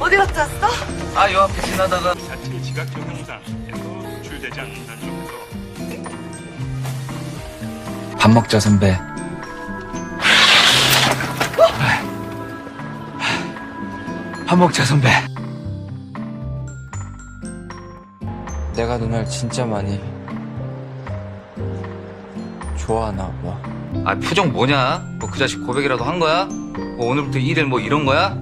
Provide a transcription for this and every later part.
어디 갔다 왔어? 아, 요 앞에 지나다가. 자체 지각 증명사에서 노출되지 않는다는 점에서 밥 먹자, 선배. 밥 먹자, 선배. 내가 누나를 진짜 많이 좋아하나 봐. 아, 표정 뭐냐? 뭐 그 자식 고백이라도 한 거야? 뭐 오늘부터 일일 뭐 이런 거야?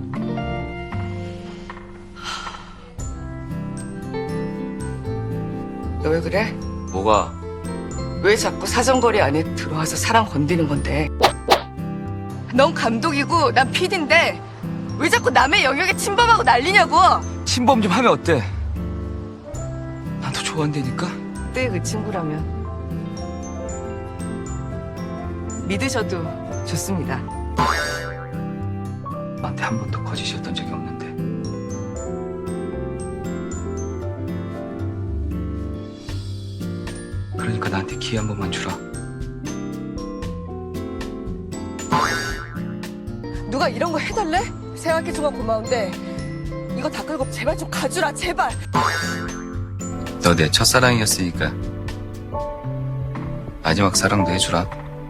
너 왜 그래? 뭐가? 왜 자꾸 사정거리 안에 들어와서 사람 건드는 건데? 넌 감독이고 난 PD인데 왜 자꾸 남의 영역에 침범하고 난리냐고? 침범 좀 하면 어때? 난 너 좋아한다니까? 그때 그 친구라면 믿으셔도 좋습니다. 나한테 한 번도 거짓이었던 적이 없는데. 그러니까 나한테 기회 한 번만 주라. 누가 이런 거 해달래? 생각해주면 고마운데 이거 다 끌고 제발 좀 가주라 제발. 너 내 첫사랑이었으니까 마지막 사랑도 해주라.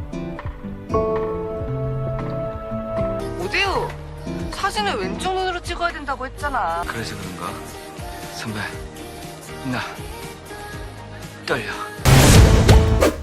오대우 사진을 왼쪽 눈으로 찍어야 된다고 했잖아. 그래서 그런가? 선배, 나 떨려.